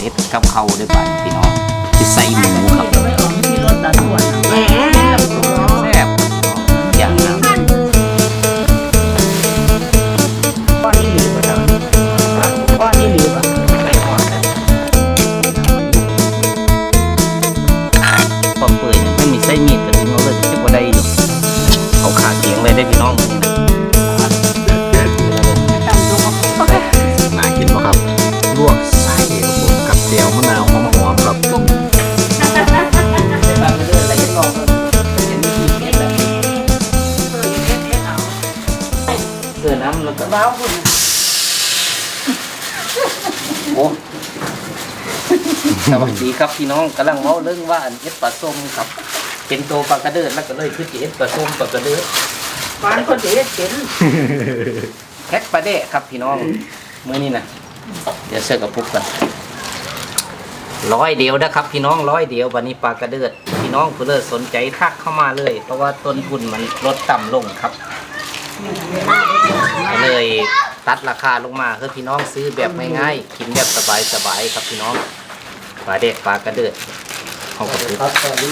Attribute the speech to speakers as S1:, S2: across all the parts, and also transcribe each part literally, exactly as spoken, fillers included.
S1: ฮ็ดกับข้าวด้วยกันพี่น้องที่ใส่หมูครับแซ่บอย่างนั้นก้อนนี้หรือเปล่าก้อนนี้หรือเปล่าไม่ก้อนนะพอเปื่อยไม่มีไส้มีดก็ถึงเอาเลยจะพอได้อยู่เขาขาเคียงเลยได้พี่น้องน่ากินป่ะครับลวกไส้กับเจียวมะนาวหอมๆครับเกลือน้ำแล้วก็ว้าวคุณโอ้สวัสดีครับพี่น้องกำลังเมาเรื่องว่าอันเอ็ดปลาส้มครับเป็นตัวปลากระเดิดแล้วก็เลยคือเอ็ดปลาส้มปลากระเดิดปลาคนเด็ดเห็นแพ็คปลาเดะครับพี่น้องเมื่อนี้นะเดี๋ยวเสิร์ฟกับปุ๊บกันร้อยเดียวนะครับพี่น้องร้อยเดียววันนี้ปลากระเดิดพี่น้องเพื่อสนใจทักเข้ามาเลยเพราะว่าต้นทุนมันลดต่ำลงครับเลยตัดราคาลงมาคือพี่น้องซื้อแบบง่ายๆกินแบบสบายๆครับพี่น้องปลาเดะปลากระเดิดของกระปุก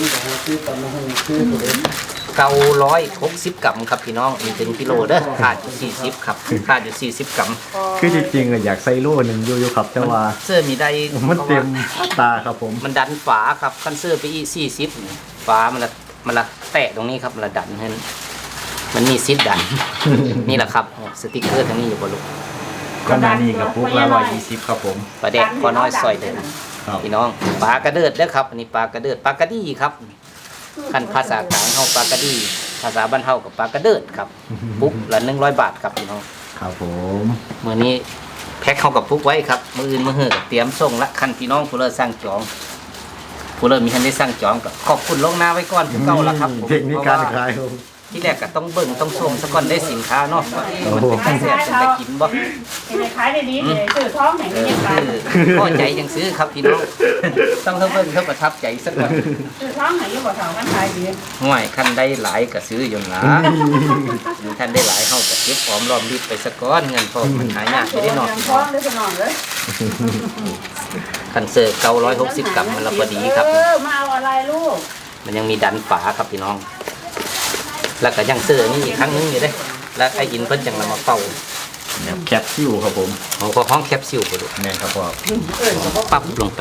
S1: เก้าร้อยหกสิบกรัมครับพี่น้องมีถึงกิโลเด้อขาดอยู่สี่สิบครับขาดอยู่สี่สิบกรัม
S2: คือจริงๆอยากใส่โล่หนึ่งอยู่ๆครับแต่ว่า
S1: เสื้อมีได้
S2: มันเต็มตาครับผม
S1: มันดันฝาครับคันเสื้อไปอีสี่สิบฝามันละมันละแตะตรงนี้ครับมันละดันให้มันมีซิดดันนี่แหละครับสติ๊กเกอร์ทั้งนี้อยู่บนลูก
S2: ก็นานี่กับปุ๊กละร้อยยี่สิบครับผม
S1: ปลาแดกพอน้อยซอยเดินพี่น้องปลากระเดิดเด้อครับอันนี้ปลากระเดิดปลากระดี่ครับขั้นภาษากลางเฮาปลากระดี่ภาษาบ้านเฮากับปลากระเดิดครับปุ๊บละหนึ่งร้อยบาทครับพี่น้อง
S2: ครับผม
S1: เมื่อนี้แพ็คเข้ากับปุ๊กไว้ครับมืออื่นมือเหือเตรียมส่งละคันพี่น้องผู้เลิศสร้างจองผู้เลิศมีทันได้สร้างจองก็ขอบคุณลงหน้าไว้ก่อนเก่าละครับ
S2: เทคนิคการขาย
S1: ที่แรกก็ต้องเบิ่งต้องชมสักก่อนได้สินค้าเนาะมันเป็นแซ่บเป็นตะกินบ่
S3: ในขายได้ดีเลยซื้อท้องไหนไม่ยังกัน
S1: พอใจยังซื้อครับพี่น้องต้องเท่าเบิ่งเท่าประทับใจสักก่อน
S3: ซื้อท้องไหนยังบ่เท่ากันขายดี
S1: ห่วยคันได้หลายก็ซื้ออยู่นะคันได้หลายเฮาก็เก็บหอมรอมริบไปสักก้อนเงินพอมันหายากไปได้เนาะ
S3: ท้องได้สนองเลย
S1: คันเซอร์เก้าร้อยหกสิบกรัมมันละพอดีครับ
S3: เออมาเอาอะไรลูก
S1: มันยังมีดันฝาครับพี่น้องแล้วก็ยังเสื้อนี่อีกครั้งนึงอยู่ได้แล้วไอ้อินเพิ่นจังนำมาเป่า
S2: แคปซิลครับผม
S1: เขาก็ห้องแคปซิลไปดู
S2: แม่ครับพ่อ
S1: ปั๊บลงไป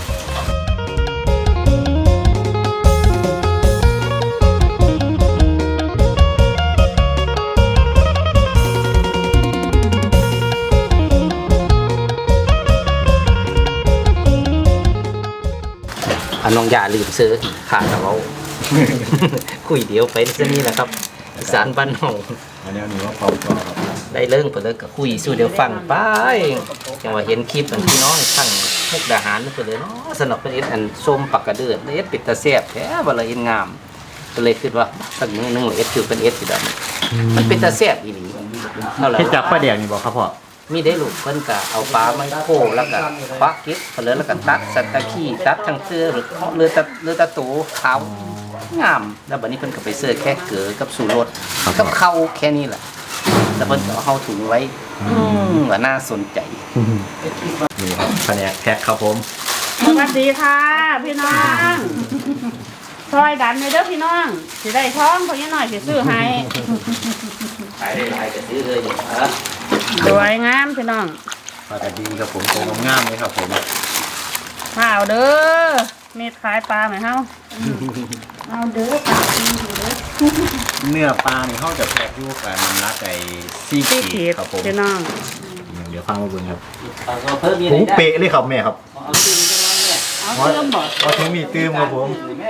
S1: อันน้องยาลืมซื้อขาดเราคุยเดียวไปจะนี่แหละครับสารบ้านหง
S2: อันนี้นี่ว่าเป่าก่อนครับ
S1: ได้เรื่องไปเลยก็คุยสู้เดี๋ยวฟังไปจังว่าเห็นคลิปอันพี่น้องทั้งมุกดาหารนั่นไปเลยเนาะสนับเป็นเอสอันส้มปักกระเดือดเอสปิดตาแซ่บแท้บละเอ็นงามก็เลยคิดว่าสักมื้อนึงเลยเอสคือเป็นเอสสิดำมันเป็นตาแซ่บอีหลี
S2: เท่าไหร่ที่จับปลาแดงนี่บอกครับพ่อ
S1: มีได้ลูกเพิ่นก็เอาปลาไม้โคแล้วก็ควักเก็บเผลอแล้วก็ตัดสัตตะขี้ตัดทั้งเสื้อหรือเรือตะเรือตะตูขาวงามแล้วบัดนี้เพิ่นก็ไปเสื้อแค่เกลือกับสูรสกับข้าวแค่นี้แหละแล้วเพิ่นก็เอาเฮาถุงไว้อืมว่าน่าสนใจ
S2: นี่ครับแผนกแพ็คครับผม
S3: สวัสดีค่ะพี่น้องซอยดันเลยเด้อพี่น้องสิได้ท้องเขายังหน่อยสิซื้อให้
S1: ขายได้หลายก็ซื้อเลยครับ
S3: สวยงามพี่น้อง
S2: ปลากระดีครับผมตัวงามเลยครับผม
S3: ข้าวเด้อเม็ดขายปลาไหมเฮาเอาเด้อปลา
S2: เนื้อปลาเนี่ยเขาจะแพ็คอยู่กับน้ำรักไก่ซี่ขีดครับผม
S3: พี่น้อง
S2: เดี๋ยวฟังมาบุญครับหูเป๊ะเลยครับแม่ครับ
S3: เอาเติมบ่
S2: เอาถึงมีตื้มครับผม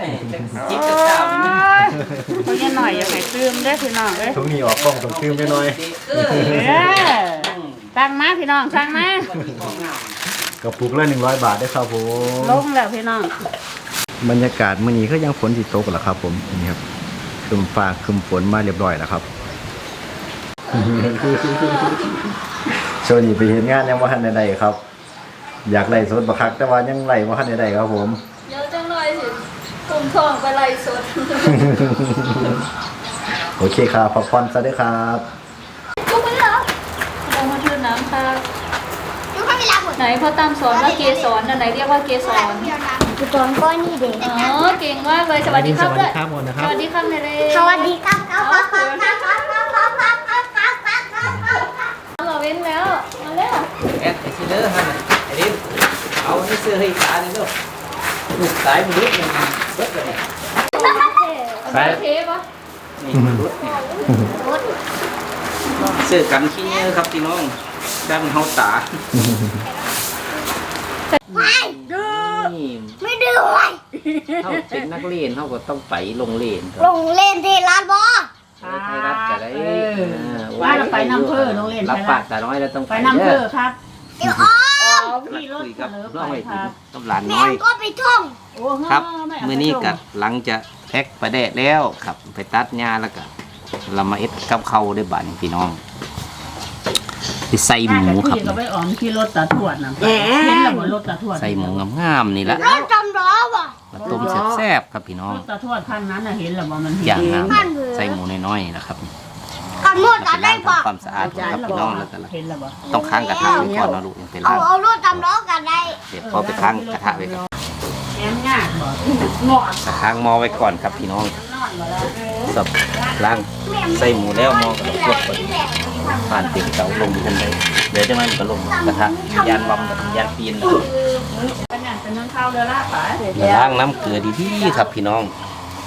S3: เขายังหน่อยยังไงตื้มได้พี่น้องเลย
S2: ทุกนี้ออกกล้องต้องตื้มไปหน่อย
S3: สั่งมาพี่น้องสั่งมาก
S2: ระปุกละหนึ่งร้อยบาทได้ครับผม
S3: ลงแล้วพี่น้อง
S2: บรรยากาศมื้อนี้ก็ยังฝนสิตกแล้วครับผมนี่ครับคืมฟ้าคืมฝนมาเรียบร้อยแล้วครับโชว์นี่ไปเห็นงานยังว่าทันใดๆครับอยากไล่สดบักคักแต่ว่ายังไล่ว่าทันใดๆครับผม
S4: เยอะจังเลยสิผมทองไปไล่สด
S2: โอเคครับพักผ่อนซะด้วยครับ
S4: จุ๊บไปแล้วลงมาชื่อน้ำค่ะจุ๊บไม่มีลาหัวไหนพ่อตามสอนว่าเกสรอันไหนเรียกว่าเกสร
S5: คือตอนก้อนนี่เด็ก
S4: อ๋อเก่งมากเลยสวัสดีครับด้วย
S2: ครับหมดนะค
S4: ส
S2: รับ
S4: วัสดีครับเลย
S5: สวัสดีครับครับครับครับครับครับครับครับครับครับครับครับครับ
S4: เราเว้นแล้วมาแล้ว
S1: แอดไอซีเดอร์ฮะไอ้ดิเอาให้เสื้อให้ตาเลยลูกลูกสายมันรุดมันเบิดเลย
S4: ไปเทปะ
S1: นี่มันรุดเนี่ยเสื้อกันขี้เนื้อครับพี่น้องด้านเฮาตา
S5: ไม่
S1: นี่
S5: ไม่ดื้อเลย
S1: เท่าเป็นนักเรียนเท่าก็ต้องไปโรงเรียน
S5: ลงเล่นที่ร้านบอ
S1: ไทยรัฐจะได้
S3: ว่าเราไปน้ำเพื่อโรงเรียน
S1: รับ
S3: ไทย
S1: ปา
S3: รั
S1: ก
S3: ฐ
S1: แต่น้อยแล้วต้อง
S3: ไปน้ำเพื่อครับ
S5: เดี๋ยวอ๋อ
S3: ขี่รถ
S1: คุย
S3: เส
S1: กับ
S3: ลอ
S1: น้อง
S3: ไป
S1: ไอ้
S3: ค
S1: ถึง
S3: รับ
S1: กับหลาน
S5: แม่
S1: น้อย
S5: ก็ไปท่อง
S3: โอ้
S1: ครับ
S3: ไม่เา
S1: มื้อนี้
S3: ไป
S1: ก็
S3: ส่ง
S1: หลังจะแพ็กประแดะแล้วครับไปตัดหญ้าแล้วก็เรามาเอ็ดกับเขาวได้บาดนี้พี่น้องไปใส่หมูครับ
S3: ขี่ก็ไปออมขี่รถตาทวดนะเห็นแล้วว่ารถตาทวด
S1: ใส่หมูงามๆนี่แหละ
S5: รถจำล้อว่ะ
S1: มาต้มแซ่บๆครับพี่น้อง
S3: รถตาทวดคันนั้นน่ะเห็นแล้วว่ามันเห็น
S1: อย่างงาม
S5: ท่านเบื่อ
S1: ใส่หมูน้อยๆนะครับ
S5: กันนวด
S1: แล้ว
S5: กั
S1: ไป
S5: น
S1: ล้า
S5: ได้
S1: ง
S5: ปะ
S1: ทำความสะอาดครับพี่น้องแล้วก็
S3: เห็นแล้วบ่
S1: ต้องค้างกระทะไว้ก่อนนะลูกยังไป
S5: เอา
S1: ล้าง
S5: เอารถจำล้อกันได้
S1: เดี๋ยวพอไปค้างกระทะไว้ก่อน
S3: แง้มยากบ่งอด
S1: ค้างหม้อไว้ก่อนครับพี่น้อง
S3: นอนบ่แล้ว
S1: สับล้างใส่หมูแล้วหม้อก็ลวกก่อนผ่านติดเตาลงทันใดเดี๋ยวจะมันก็ลงกระทะยานวำกับยานปีน
S3: ปัญญาเป็นน้ำข้าวเรือลาบไป
S1: ล้างน้ำเกลือดีๆครับพี่น้อง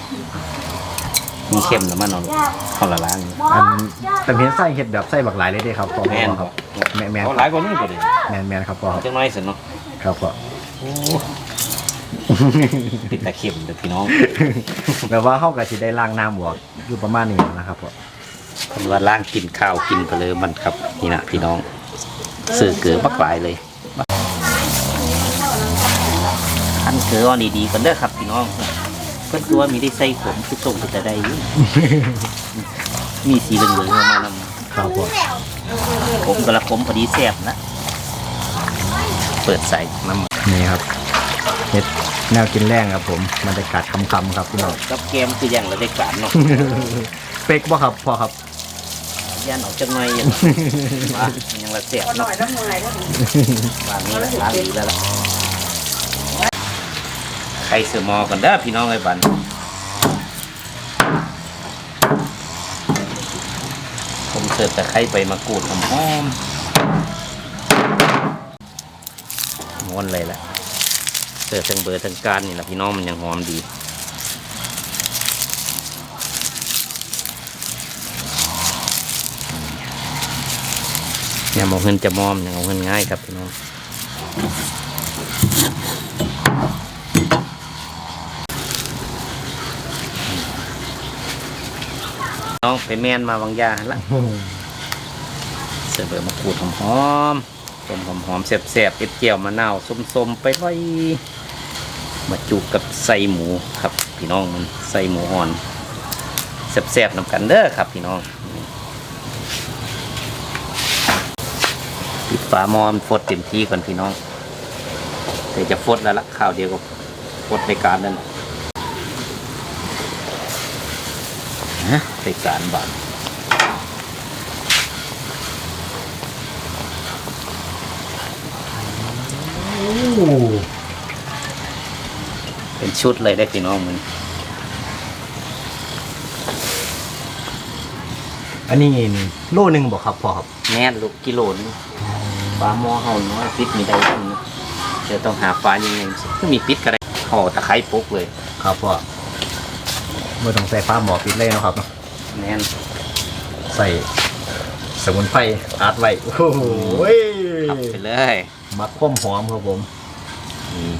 S1: มีเค็มหรือมันเอาเขาละล้าง
S2: อันแต่เห็นไส้เห็ดแบบไส้บักหลายเลยเด้ครับพ่อ
S1: แม่น
S2: ครับแม่แม่น
S1: เขาหลายกว่านี้ก็ได้
S2: แม่นแม่นครับพ่อครับ
S1: จังน้อยสิเนาะ
S2: ครับพ่อ
S1: ติดแต่เค็มเด้อพี่น้อง
S2: แบบว่าเขาก็สิได้ล้างน้ำบวกอยู่ประมาณนี้นะครับพ่อ
S1: คนว่าล้างกินข้าวกินไปเลยมันครับนี่นะพี่น้องซื้อเกลือบักหลายเลยขั้นเกลือเอาดีๆกันเด้อครับพี่น้องเพื่อนตัวมีได้ใส่ขมคือส่งไปแต่ใดอยู่มีสีเหลืองๆมานำ
S2: ครับพ่อ
S1: ผมกระขมพอดีแซ่บนะ เปิดใส่น้ำ
S2: นี่ครับเห็ดแนวกินแรงครับผมบรรยากาศคำๆครับพี่น้อง
S1: กับแกมคืออย่างละได้การเนาะ
S2: เป๊กบ่ครับพ่อครับ
S1: ย่านออกจังไงยังว่ายังละแซ่บเนาะวางนี้ละล้างดีแล้วล่ะไข่เสือมอกันเด้อพี่น้องไอ้บันผมเสิร์ฟแต่ไข่ใบมะกรูดหอมๆม้วนเลยแหละเสิร์ฟทั้งเบอร์ทั้งการนี่แหละพี่น้องมันยังหอมดีเนี่ยมองเงินจะมอมอย่างเอาเงินง่ายครับพี่น้องน้องไปแม่นมาบางยาหั่นละเสิร์ฟเบอร์มะกรูดหอมๆต้มหอมๆแซ่บๆเอ็ดเจียวมะนาวส้มๆไปไว้มาจุกับใส่หมูครับพี่น้องมันใส่หมูอ่อนแซ่บๆนำกันเด้อครับพี่น้องปิดฝาหม้อมันฟดเต็มที่ก่อนพี่น้องแต่จะฟดแล้วละข้าวเดียวก็ฟดในการนั่นฮะในการบาดเป็นชุดเลยได้พี่น้องมัน
S2: อันนี้นี่โลหนึงบ่ครับพ่อครับ
S1: แน่นลูกกิโลนึงปลาหม้อเฮาน้อยปิดมีได้ทำนะเดี๋ยวต้องหาปลายังไงก็มีปิดก็ได้ห่อตะไคร้ปุ๊กเลย
S2: ครับพ่อไม่ต้องใส่ฟ้าหมอปิดเลยเนาะครับ
S1: แน่น
S2: ใส่สมุนไพรอัดไว้โอ้โห
S1: ขับไปเลย
S2: มักข้มหอมครับผม
S1: อืม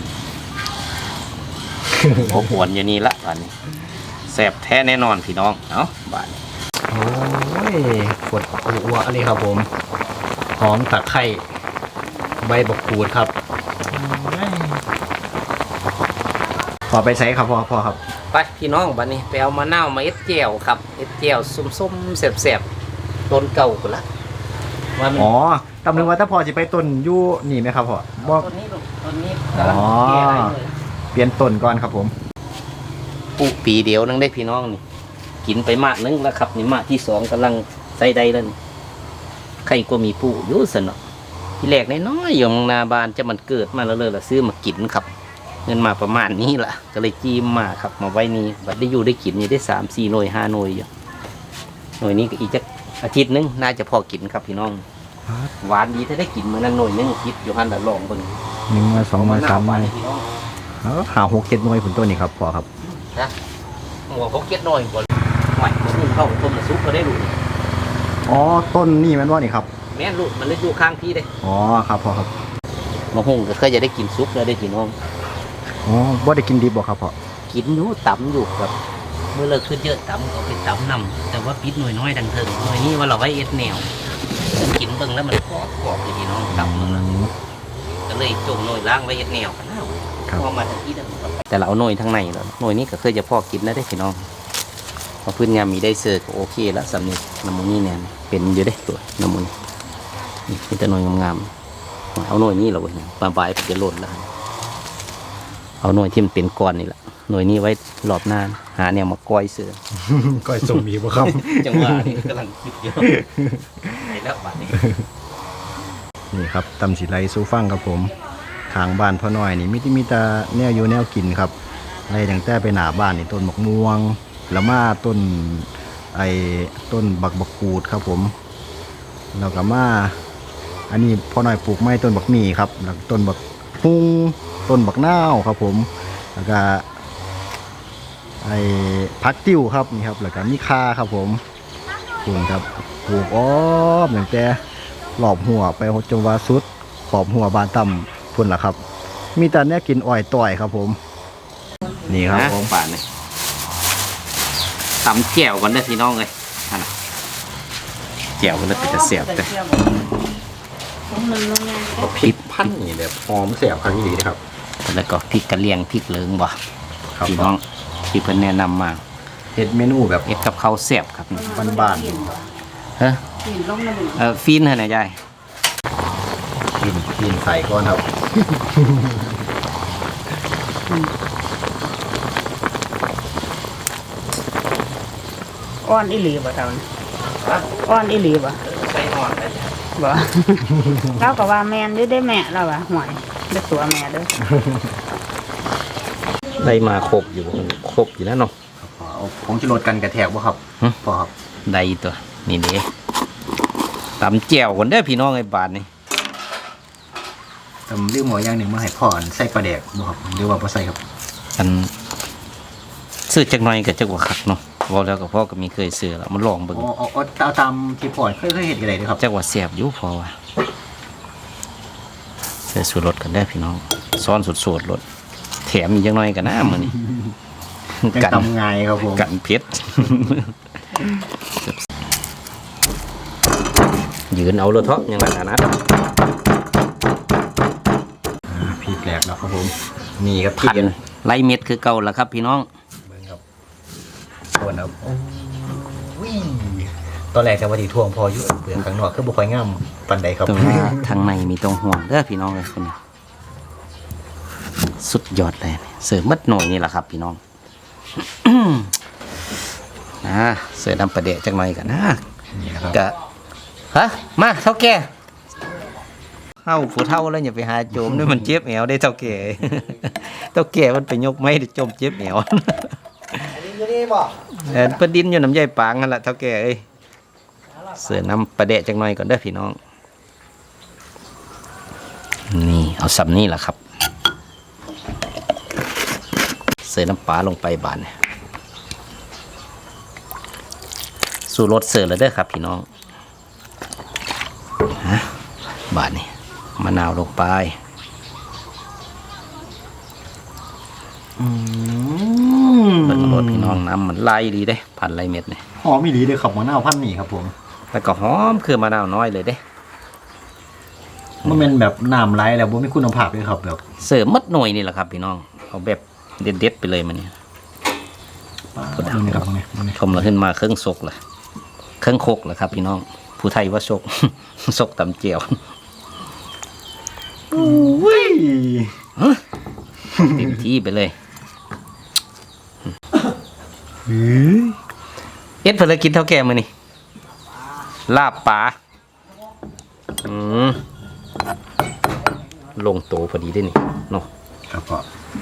S1: ผมหวนอยู่นี่ละตอนนี้แซ่บแท้แน่นอนพี่น้องเอ้าบาด
S2: โอ้ยปวดอัวอันนี้ครับผมหอมตะไคร้ใบบักกูดครับพอไปใช้ครับพ่อพ่อครับ
S1: ไปพี่น้องบัดนี้ไปเอามะนาวมาเอ็ดเจียวครับเอ็ดเจียวส้มๆแซ่บๆต้นเก่ากูละว่ามัน
S2: อ๋อตำลึงว่าถ้าพอจะไปต้นอยู่นี่ไหมครับพ่อบ่
S1: ต้นนี้ลูกต้นนี้
S2: อ๋อ
S1: กำลังแก่อะไรเลย
S2: เปลี่ยนต้นก่อนครับผม
S1: ปลูกปีเดียวนึงได้พี่น้องนี่กินไปมากนึงแล้วครับนี่มากที่สองกำลังใส่ได้แล้วนี่ใครก็มีปลูกอยู่สนอที่แรกน้อยๆอยู่หน้าบ้านจะมันเกิดมาแล้วเลยละซื้อมากินครับเงินมาประมาณนี้ล่ะก็เลยจีมมาครับมาไว้นี่บัดได้อยู่ได้กินอยู่ได้สามสี่หน่วยห้าหน่วยอยู่หน่วยนี้ก็อีกจะอาทิตย์นึงน่าจะพอกินครับพี่น้องหวานดีถ้าได้กินมื้อนั้นหน่วยนึงคิดอยู่หันละลองเบิ่ง
S2: หนึ่งมาสองมาสามมา
S1: พี่น้อง
S2: หาหกเจ็ดหน่วยผลตัวนี้ครับพอครับ
S1: นะหัวเขาเก็ดหน่อยก่อนใหม่มาหุ้มเข้าต้มมาซุปก็ได้ลูก
S2: อ๋อต้นนี่แมันว่านี่ครับ
S1: แม่นลูกมันเลยอยู่ข้างพี่เลย
S2: อ๋อครับพอครับ
S1: มาหุ้มก็เคยจะได้กินซุปแล้วได้พี่น้อง
S2: อ๋อว่าได้กินดิบบ่ครับพ่อ
S1: กินอยู่ตำอยู่ครับเมื่อเลิกขึ้นเยอะตำก็ไปตำนำแต่ว่าปิดหน่วยน้อยดังเถิงหน่วยนี้ว่าเราไว้เอ็ดแนวกินเบิ่งแล้วมันกรอบกรอบเลยพี่น้องตำมันก็เลยจงหน่วยล้างไว้เอ็ดแนวกันแล้วพอมาทางที่เดิมแต่เราเอาหน่วยทางในแล้วหน่วยนี้ก็เคยจะพอกินแล้วได้พี่น้องพอพื้นงานมีได้เสิร์ฟก็โอเคแล้วสำนึกน้ำมันนี่เนี่ยเป็นอยู่ได้ตัวน้ำมันนี่มีแต่หน่วยงามๆเอาหน่วยนี้เราไว้ปลาใบจะหล่นแล้วเอาหน่วยที่มันเป็นก้อนนี่แหละหน่วยนี้ไว้รอบหน้าหาแนวมาก้อยเสือ
S2: ก้อยส้มมีบ่ครับ
S1: จังหวะนี้กำลังคิดเยอะไหนแล้วบัดนี้
S2: นี่ครับตำสีไรซูฟังครับผมทางบ้านพ่อน้อยนี่มิติมีแต่แนวอยู่แนวกินครับไรตั้งแต่ไปหน้าบ้านนี่ต้นมะม่วงละมาต้นไอ้ต้นบักบักกูดครับผมแล้วก็มาอันนี้พ่อน้อยปลูกไม้ต้นบักหมี่ครับแล้วต้นบักฮุ้งต้นบักนาวครับผมแล้วก็ไอ้พักติ้วครับนี่ครับแล้วก็มีคาครับผมปลูกครับปลูกอ้อมตั้งแต่หลอบหัวไปจนว่าสุดขอบหัวบานต่ำพุ่นล่ะครับ มีแต่เนี้ยกินอ้อยต่อยครับผม นี่ครับผม
S1: ป่านนี่ตำแจ่วกันเด้อพี่น้องเลยนั่นน่ะแจ่วกันแล้วเป็นจะเสียบแต่
S3: ผมนึงลงไง
S2: พริกพันนี่แบบหอมเสียบครั้งนี้นะครับ
S1: แล้วก็พริกกระเลียงพริกเหลืองบ่
S2: ครับ
S1: พี่น้องที่เพิ่นแนะนำมา
S2: เฮ็ดเมนูแบบ
S1: เอ็ดกับข้าวเสียบครับ
S2: บ้าน
S1: เฮ้ย
S3: กินลงมาดู
S1: เออฟีนเหรอนะยาย
S2: ๆกินกินใส่ก่อนครับ
S3: อ้อนอีหลีบ่เท่านี้อ้อนอีหลีบ่
S1: ใส่ห่อนเลย
S3: บ่เราก็ว่าแม่นอยู่ได้แม่เราว่าห่วยได้ตัวแม่เด้อ
S1: ได้มาครบอยู่ครบอยู่แล้วเนาะ
S2: ผมจะลดกันกระแทกบ่ครับ
S1: หึ
S2: พอครับ
S1: ได้ตัวนี่เด้ตำแจ่วกันเด้อพี่น้องไอ้บาทนี่
S2: แต่เรื่องหมออย่างหนึ่งมาให้พ่ออันใส่ปลาแดกบ่ครับหรือว่าบ่ใส่ครับ
S1: อันซื้อจักหน่อยกับจักว่าคักเนาะบอกแล้วกับพ่อก็มีเคยซื้อแล้วมันลองเบิ่ง
S2: อ๋ออ๋อเอาตามที่พ่อเคยเคยเห็นกันเลยนะครับ
S1: จักว่าแซ่บอยู่พอว่าใส่สูตรรสกันได้อพี่น้องซ้อนสุดๆรสแถมอีกจักหน่อยกันนะมื้อนี้
S2: ยัง
S1: กัน
S2: ตำง่ายครับผม
S1: กันเผ็ด ยืนเอาเลยเถอะยังไงนะ
S2: อ่าพริกแหลกแล้วครับผมนี่ครับพริ
S1: พั
S2: ก
S1: นไล่เม็ดคือเก่าแล้วครับพี่น้อง
S2: เบิ่งครับส่วนครับวิ่ตอนแรกจะว่าที่ท่วงพออยู่เปลือกข้างนอกคือบ่ค่อยงามปานใดครับ
S1: แต่ว่าทางในมีตรงห่วงเด้อพี่น้องเลยคนนี้สุดยอดเลยเสิร์ฟมัดหน่อยนี่แหละครับพี่น้อง นะเสิร์ฟน้ำปลาเดะจักหน่อยกันนะ
S2: นี่นะครับ
S1: กะฮะมาเท่าแก่เข้าผู้เท่าแล้วอย่าไปหาโจมด้วยมันเจ็บแอวได้เท่าแก่ เท่าแก่มันไปยกไม้ได้จมเจ็บแอว
S2: อันนี้อยู่นี่บ่
S1: เออประดินอยู่น้ำใยปางนั่นแหละเท่าแก่เอ้ยเสือน้ำปลาเดะจักหน่อยก่อนเด้อพี่น้องนี่เอาสับนี่แหละครับเสือน้ำปลาลงไปบานเนี่ยสู่รสเสือแล้วเด้อครับพี่น้องฮะบานนี่มะนาวลงไป
S2: อืม
S1: เบิ่งรสพี่น้องน้ำมันไล่ดีเด้พันไล่เม็ดเนี่ย
S2: หอมอีหลีเลยครับมะนาวพันธุ์นี่ครับผม
S1: แล้วก็หอมคือมะนาวน้อยเลยเด้
S2: มันเป็นแบบน้ำไหลแล้วบ่มีคุณภาพเลยครับแบบ
S1: เสริมมัดหน่วยนี่แหละครับพี่น้องเอาแบบเด็ดๆไปเลยมันเนี่ย
S2: ดูนี่ครับตรงนี้ตรงนี้
S1: ชมเราขึ้นมาเครื่องซกเลยเครื่องโคกเลยครับพี่น้องผู้ไทยว่าซก ซกตำเจียว
S2: อุ้ย
S1: เต็มที่ไปเลย
S2: หือ
S1: เอ็ดเพื่อกินเท่าแก่มือนี่ลาบปลาอืมลงโตพอดีได้นี่เนาะ
S2: ครับพ่อ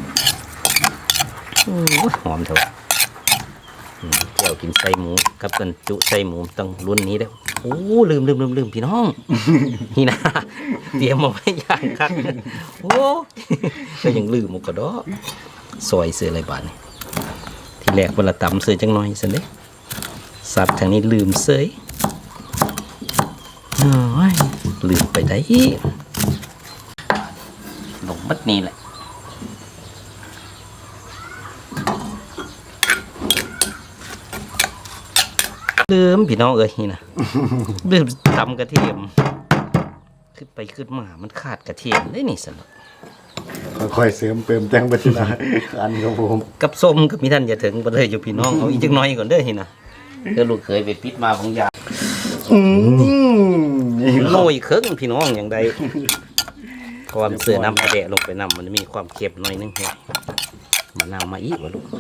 S1: โอ้ยหอมเถอะอืมเจียวกินไส้หมูกับกันจุไส้หมูต้องรุ่นนี้แล้วโอ้ลืมลืมลืมลืมพี่น้อง นี่นะเตรียมมาไว้อย่างครับโอ้ก็ยังลืมหมดกระดอซอยเสืออะไรบ้านนี่ที่แรกเวลาตำเสือจังน้อยสินเด้สับทางนี้ลืมเสยโอ้ยลืมไปได้ลงมัดนี่แหละลืมพี่น้องเอ้ยนี่นะ ลืมตำกระเทียมขึ้นไปขึ้นมามันขาดกระเทียมได้นี่สนุก
S2: ค่อยๆเสริมเติมแต่งไปทีละอันครับผม
S1: กับส้มกับมีท่านอย่าถึงไปเลยอยู่พี่น้องเอาอีกจักหน้อยก่อนเด้อนี่นะเธอลูกเคยไปปิดมาบางอย่าง
S2: อืมนี่ค
S1: โร
S2: รับ
S1: ยเครื่องพี่น้องอย่างใดความเสือน้ำกระเดะลงไปน้ำมันมีความเค็มหน่อยนึงเฮ้ยมะนาวมาอีกวะลูก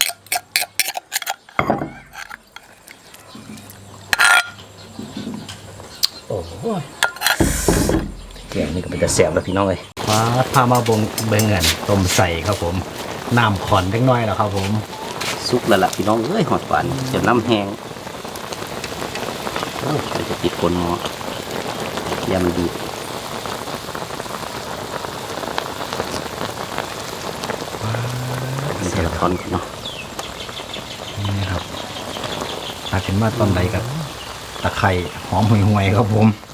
S1: โอ้โหแกงนี่ก็เป็นแต่แสบแล้วพี่น้องเลย
S2: ฟ้าพามาบงเบงเงินต้มใส่ครับผมน้ำขอนเล็กน้อยแล้วครับผม
S1: สุกแล้วล่ะพี่น้องเอ้ยหอดหวานจนน้ำแห้งโอ้ยจะติดคนหมอยำดีเสียทอนกันเนาะ
S2: นี่ครับตาขึ้นมาตอนใดกับตะไคร่หอมห่วยๆครับผม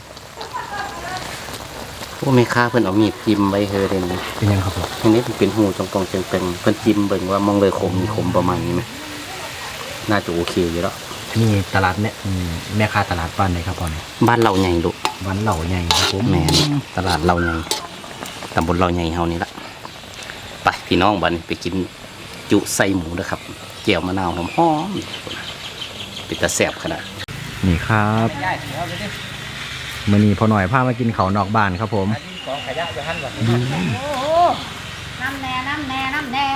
S1: พวกแม่ค้าเพิ่นเอามีดจิ้มไว้เฮอเดน
S2: เป็นยังครับผม
S1: อันนี้เป็นหูตรงๆเต็งๆเพิ่นจิ้มเบิ่งว่ามองเลยคมมีคมประมาณนี้ไหมน่าจะโอเคอยู่แล้ว
S2: นี่ตลาดเนี่ยอืมแม่ค้าตลาดบ้านไหนครับพ่อเนี่ย
S1: บ้านเราใหญ่ลูก
S2: บ้านเหล่าใหญ่ครับผม
S1: แม่นตลาดเราใหญ่ตำบลเราใหญ่เฮานี่ละไปพี่น้องบัดนไปกินจุไส้หมูนะครับเจียวมะนาวหอมๆเป็นตาแซ่บขนาด
S2: นี่ครับมื้อนี้พอหน่อยพามากินเขาวนอกบ้านครับผม
S1: ของขยะอยู่หั่นบ่
S3: โอ้น้ำแน่น้ำแน่น้ำแน่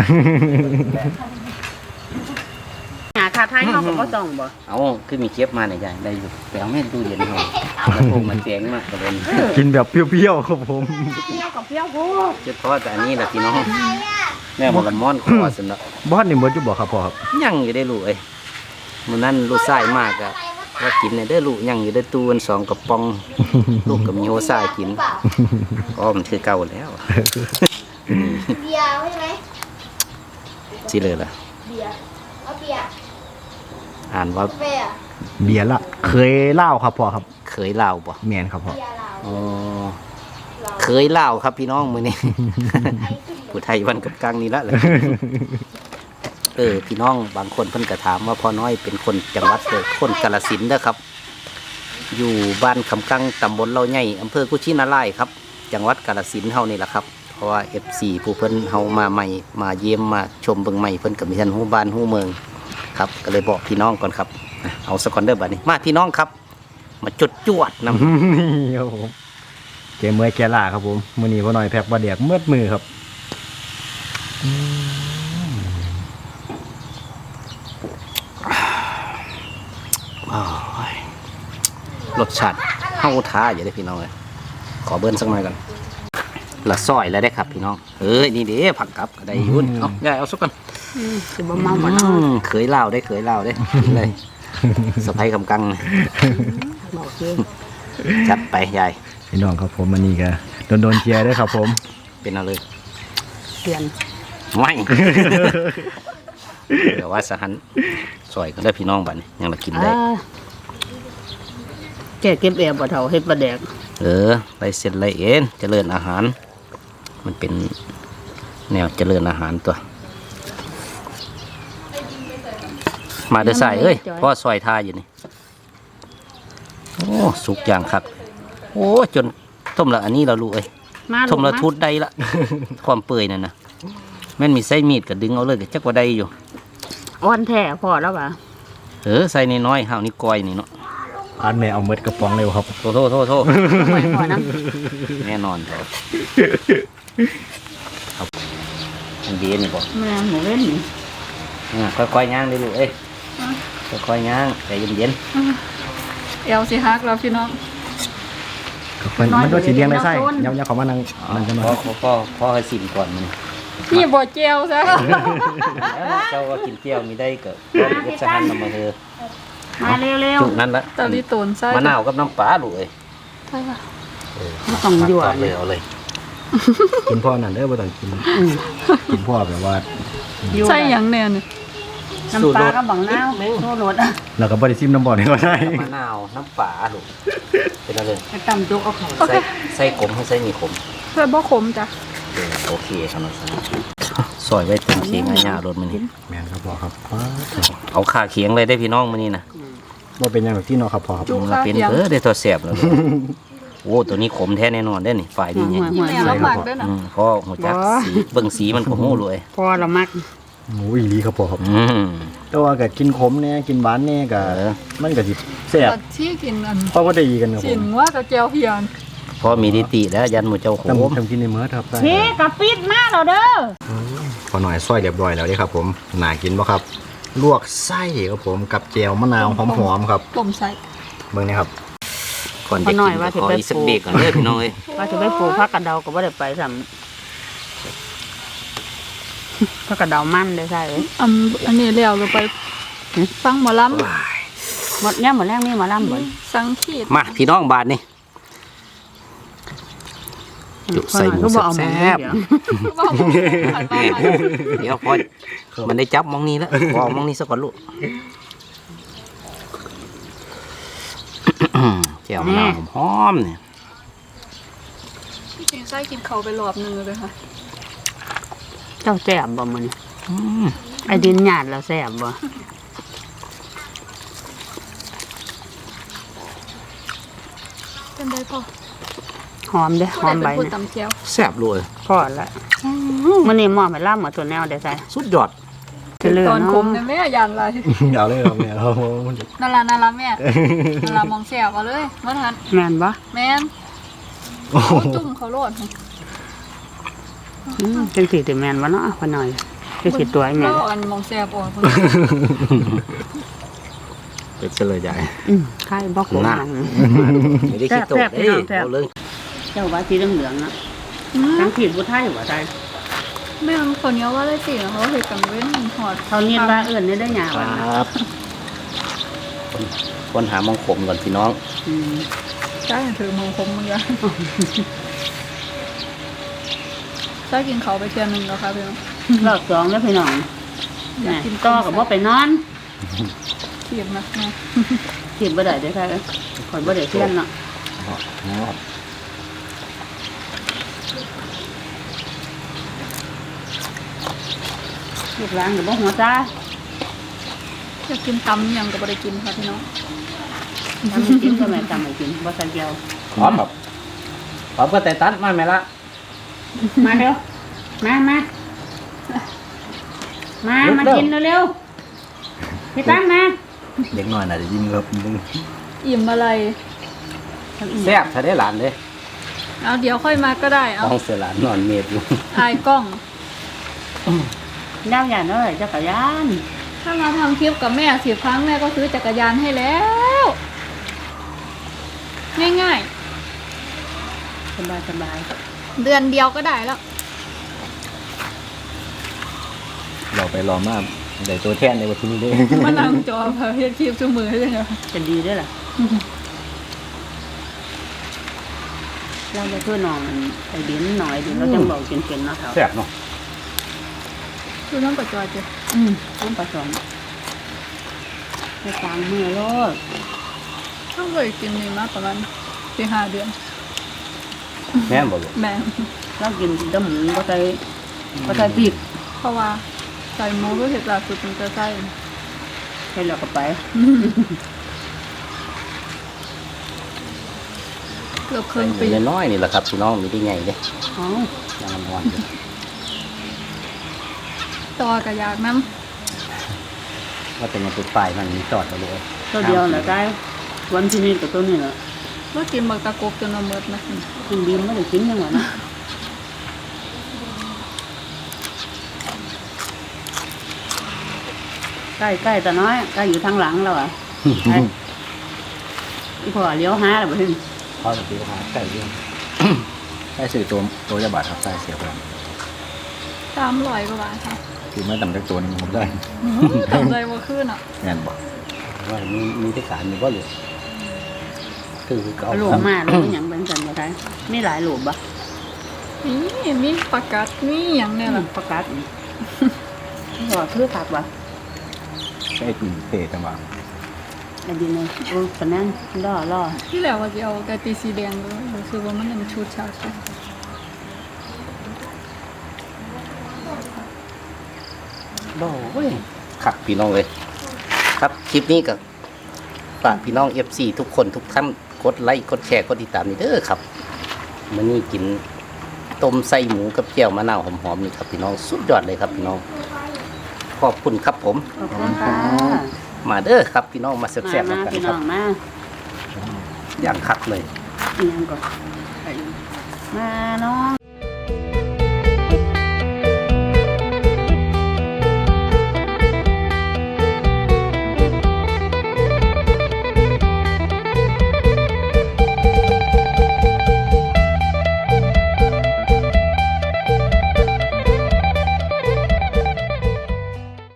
S3: หาคาไทยเขาก็บ่ต้องบ่
S1: เอาคือมีเก็บมาเนี่ยยายได้อยู่แต่เอาแม่ตู้เย็นเฮาแล้วพวกมันแจงมากกระเด็น
S2: กินแบบเปรี้ยวๆครับผม
S3: เปรี้ยวกับเปรี้ยวโพด
S1: เฉพาะแต่อันนี้แหละพี่น้องแม่บอกละม่อนคอสินเนาะ
S2: บ้านนี่เหมือนจะบอกครับพ่อครับ
S1: ยังอยู่ได้ลูกเอ้ยมื้อนั้นลูกชายมากอะว่ากินเนี่ยได้อลูกยังอยู่ได้ตู้กันสองกระป๋อง ลูกกับมีโฮซ่ากินก็มันคือเก่าแล้ว
S5: เบียร์ใช่ไหม
S1: สิเลยล่ะ
S5: เบียร์เอาเบียร์
S1: อ่านว่า
S5: กาแฟอะ
S2: เบียร์ละเคยเล่าครับพ่อครับ
S1: เคยเล่าบ่
S2: แมนครับพ่อ
S5: เบียร์เรา
S1: อ๋อเคยเล่าครับพี่น้องมื้อนี้ ผู้ไทยวันกับกลางนี่ละแหละ เออพี่น้องบางคนเพิ่นก็ถามว่าพ่อน้อยเป็นคนจังหวัดเกิดคนกาฬสินธุ์เด้อครับ อยู่บ้านคำกังตำบลเล่าใหญ่อำเภอกุชินารายณ์ครับ จังหวัดกาฬสินธุ์เฮานี่แหละครับเพราะว่า เอฟ ซี ผู้เพิ่นเฮามาใหม่มาเยี่ยมมาชมเบิ่งใหม่เพิ่นก็มีท่านฮู้บ้านฮู้เมืองครับก็เลยบอกพี่น้องก่อนครับอ่ะเอาสกอนเดอร์บัดนี้มาพี่น้องครับ มาจุดจวดนำ
S2: นี่ครับผมแกเมื่อยแกล่าครับผมมื้อนี้พอหน่อยแพ็กบะเดียกเมื่อมือครับ
S1: อ้าวรสชาติเฮาท้าอย่าได้พี่น้องเลยขอเบิ้ลสักหน่อยก่อนละซอยแล้วได้ครับพี่น้องเอ้ยนี่เด้ผักกับก็ได้อยุ่นเอายายเอาสักก่อน
S3: สิบ่เมาบ่
S1: อื
S3: เนาะ
S1: มเคยเล่าได้เคยเล่าได้กินเลยสะพายคำกังนะ
S3: บอกคือ
S1: จัดไปยาย
S2: พี่น้องครับผมมันนี่ก็โดนโดนๆเชียร์ด้วยครับผม
S1: เป็นเอาเลย
S3: เปลี่ยน
S1: ไม่ เดี๋ยวว่าสหันซอยก็ได้พี่น้องบัดนี้ยังมากินได้
S3: อ่าแกเก็บแอบบ่เท่าเฮ็ดปลาแดก
S1: เออไรเสร็จไรเอ็นเจริญอาหาร มันเป็นแนวเจริญอาหารตัว มาเดือใส่เอ้ยพ่อซอยท่าอยู่นี่โอ้สุกอย่างครับโอ้จนต้มละอันนี้เราลูกเอ้ย
S3: มา
S1: ต้มละ
S3: มา
S1: ทุดได้ละ ความเปื่อยนั่นนะแม่นมีไส้มีดก็ดึงเอาเลยก็จักว่าได้อยู่
S3: อ่อนแท้พอแล้วป่ะ
S1: เออใส่น้อยๆห้าวนี่ก้อยนี่เนาะ
S2: อันแม่เอาเม็ดกระป๋องเร็วครับ
S1: โทษโทษโทษโทษ
S3: ปล่อยพอนะ
S1: แน่นอนครับครับอันดีนี่บอก
S3: แม่หมูเล่นนี่
S1: อ่าค่อยๆย่างเลยลูกเอ้ยค่อยๆย่างใจเย็น
S4: เอวสิฮักเราพี่น้อง
S2: มันมันก็สีเลี้ยงได้ไส้ยำยำเขามานั่งนั่งกันหน่
S1: พ่
S2: อ
S1: อย พ่อพ่อให้สิมก่อนมัน
S3: นี่บ่เจียวซะ
S1: แล้วเจ้าก็กินเจียวมีได้เกิดก็เอ็ดสหันนำมาเธอ
S3: มาเร็ว
S1: จุกนั้นละ
S4: ตอนนี้ตูนไส้
S1: มะนาวกับน้ำปลาลูกเอ้ย
S4: ใช่ป่ะ
S3: ๆไม่ต้องยั่ว
S1: ตัดเล
S3: เลย ย
S1: เอาเลย
S2: กินพ่อนั่นเด้อบ่ต้องกินกินพ่อแบบว่า
S3: ยั่ว
S4: ใช่หยังแน่เนี่ย
S3: น้ำปลากับบังนาวโซโรดอ่ะ
S2: แล้วก็บ่ได้ซิมน้ำบ่อนี่ก็ได้
S1: มะนาวน้ำปลาลูกเป็นอะไร
S3: ไปตำจุกเอาเขา
S1: ใส่ใส่ขมให้ใส่มีขม
S4: เพื่อบ่ขมจ้ะ
S1: เออโอเคครับน้องสาวซอยไว้เต็มเคียงง่ายๆรถมันนี่
S2: แม่นครับพ่อครับ
S1: เอาขาเคียงเลยได้พี่น้องมันนี่นะ
S2: บ่เป็นหยังหรอกที่เนาะครับพ่อครับ
S4: จุก
S1: มัน
S4: ข้าว
S1: เป็น
S4: เคียง
S1: เออได้ตัวแสบแล้วลูกโอ้ตัวนี้ขมแท้แน่นอนได้อนี่ฝ่ายดีเนี่ย
S4: นี่แม่ลำบากด้วยนะ
S1: อืมเพราะหัวจักสีเบิ่งสีมันก็หู้เลย
S3: พอละมัก
S2: โอ้ยอีหลีครับพ่อครับ
S1: อืม
S2: แต่ว่าก็กินขมแน่กินหวานแน่ก็
S1: เออ
S2: มันก็สิแซ่บ
S4: ตอนที่กินอัน
S2: เพราะว่าได้ดีกันครับผ
S4: สิน
S2: ม
S4: ว่ากับแก้วเพียน
S1: พอมีดิติแล้วยันหมูเจ้าโข
S2: ทำ
S1: ม
S2: ทำกินในมื้อครับได้
S3: เฮ้กะปิดมาแล้วเด้อ
S2: พอหน่อยซอยเรียบร้อยแล้วเด้ครับผมน่ากินบ่ครับ ลวกไส้ครับผมกับแจวมะนาวหอมๆครับ
S4: ต้มใส่
S2: เบิ่งนี่ครับ
S1: ก่อนจะกินก็ขออีกสักเบรกก่อนเลยพี่น้องเอ้ย
S3: ว่าจะไปปลูกผักกระเดาก็บ่ได้ไปซ้ำผักกระเดามันได้ใช่เอ้ย
S4: อันอันนี้แล้วเราไปฟังหมอล
S3: หมดเนี่ยหมดแรงนี่หมาล่ำบ่
S4: ำสังขีด
S1: มาพี่น้องบาทนี่จุใส่หมู
S3: ก็บ่เอาหมู
S1: แซ่บ
S3: เดี๋ยว
S4: ว่าหมอหัน
S1: ๆ
S4: มา
S1: แม่เดี๋ยวพอมันได้จับมองนี้แล้วพอมองนี้ซะก่อนลูกแจ่วมะนาวหอมๆเนี่ย
S4: จริงๆไส้กินเขาไปรอบนึงเลยค่ะ
S3: เจ้าแซ่บบ่มื้อนี้
S1: อืม
S3: ไอ้ดินหยาดแล้วแซ่บบ่
S4: เป็นได้พอ
S3: หอมเด้อหอมใบ
S4: เป็นผู้
S3: เนี่ย
S4: ตำแก้ว
S1: แซ่บเลย
S3: พอละมื้อนี้หม้อไปล่ำหมดตัวแนวได้ใส่
S1: สุดยอด
S3: จะเลือ
S4: ตอน
S3: เนาะ
S4: ขมเนี่ยแม่ยานอะไร
S2: เอาเลยครับเนี่ยครับผม
S4: นารานาราแม่นารามองแซ่บเอาเลยมาทัน
S3: แม่นบ่
S4: แม่น
S2: โอ้โห
S4: จุ่มเขาโลด
S3: อืมจังสิสิแม่นบ่เนาะพอหน่อยจังสิตัวไอ้แม่
S4: เราอันมองแซ่บอ่อนคน
S1: เป็นเฉลยใหญ่
S3: อืมไข่บ่ขม
S1: น่ะ
S3: มัน
S1: ไม่ได้คิดโต
S3: แซ่บๆ
S1: เอ้ย
S3: แซ่บๆ
S1: เอาเลย
S3: เจ้าว่าสีเหลืองๆนะทั้งขีดบุไทยบ่ได้
S4: แม่มันคนเนี้ยว่าได้สิเขาเห็ดกังเว้นหอด
S3: เขาเนียนว่าเอื่นนี่ได้หยา
S1: ค
S3: วัน
S1: รับคนคนหามองขมก่อนพี่น้อง
S3: อืม
S4: ใช่ถือมองคมมึงยังใช่กินเขาไปเทียนหนึ่งแล้วค่ะพี่น้อง
S3: รอบสองแล้วพี่น้องแหม่ต่อกับบ่ไปนอน
S4: เทียบนะแม่
S3: ขีดบ่ได้เด้อค่ะข่อยบ่ได้เทียนเนาะลูกหลานก็บ่หัวจ้า
S4: อยากกินตำยังก็บ่ได้กินค่ะพี่น้อง
S3: ทำให้กินก็แม่ทำให้กินบ่ใส่เกียว
S1: พร้อมครับพร้อมก็แต่ตัดมาไหมละ
S3: มาเร็วมามามามากินเร็วๆพี่ตั้งมา
S2: เด็กน้อยน่าจะยินครับ
S4: อิ่มอะไร
S1: แซ่บถ้าได้หลานเลย
S4: เอาเดี๋ยวค่อยมาก็ได้เอา
S1: ต้องเสียหลานนอนเมดอยู่
S4: อายกล้อง
S3: ดาวอย่างน้อยจักรยาน
S4: ถ้ามาทำคลิปกับแม่สิบครั้งแม่ก็ซื้อจักรยานให้แล้ว ง่าย
S3: สบายสบาย
S4: ๆ เดือนเดียวก็ได้แล้ว
S2: เราไปรอมากเดี๋ยวตัวแทนในวันที่นี้เด้
S4: มานั่งจอเพื่อเฮ็ดคลิปชั่วมือให้เลยเหรอ
S3: จะดีด้วยล่ะเราจะช่วยน้องมันไอ้ดินหน่อยดิเราจังบอกเก่งๆเนาะเขา
S1: แซ่บเนาะ
S4: คือต้องกับจอยเจ้ะ
S3: อืมต้องผสมในกลางมือโลด
S4: ต้องเคยกินนี่มาประมาณสี่ห้าเดือน
S1: แม่นบอกเลย
S4: แม่
S3: เรากินดำหมูก็ใส่ก็ใส่พริก
S4: เพราะว่าใส่หมูก็เห็ดล่าสุดมันจะใส่
S3: ใส่แล้วก็ไป
S4: เกือบครึ่งปี
S1: น้อยๆนี่แหละครับพี่น้องมีได้ไงเด้
S3: อ๋อ
S1: ยังอ่อนๆอยู่
S4: ต่อกับยากน้
S1: ว่าเป็นยังเป็นฝ่ายมันมีจอดมาเลย
S3: ตัวเดียวแหละได้วันที่นี่กับตัวนี้แหละ
S4: ำว่ากินบักตะกกจนมาเมิดนะ
S3: กินดีไม่ได้กินยังไงนะใกล้ใกล้แต่น้อยใกล้อยู่ทางหลังเราอ่ะ ไอ้อีพ่อเลี้ยวหาแล้วบ่ถึง
S1: พอจะตีหาไก่เรื่อง
S2: ใส่สื่อตัวตัวจะบาทครับใส่เสียไป
S4: สามร้อยกว่าบาทค่ะ
S2: คือไม่ต่ำจากตัวนึงผมได้
S4: ตกใจว่าขึ้นอ่ะ
S2: งานบอก
S1: ว่ามีมีที่สารมีบ่เหลือคือเขา
S3: หลูบมาหลูบอย่างเป็นสันบ่ได้มีหลายหลูบบ่
S4: นี่มีปากกัดมีอย่างเนี่ย
S3: นี่
S4: แหละ
S3: ประกาศหัวคือผักบ่
S2: ใส่กลิ่นเพจังหวะ
S3: อันนี้เลยโอ้ปะนั้นล่อล่อ
S4: ที่แล้วว่าจะเอากะติสีแดงด้วยรู้สึกว่ามันยังชุดฉาดเลย
S1: บ่เว้ยครับพี่น้องเลยครับคลิปนี้กับฝากพี่น้อง เอฟ ซี ทุกคนทุกท่านกดไลค์กดแชร์กดติดตามนี่เด้อครับมื้อนี้กินต้มไส้หมูกับเจียวมะนาวหอมๆนี่ครับพี่น้องสุดยอดเลยครับพี่น้องขอบคุณครับผม
S3: ขอบคุณค่ะ
S1: มาเด้อครับพี่น้องมาแซ่บๆ
S3: มา
S1: กัน
S3: พี่
S1: ค
S3: น้
S1: รั
S3: อบ งมา
S1: อย่างคักเลย
S3: อีหยังก่อนไปมาน้อง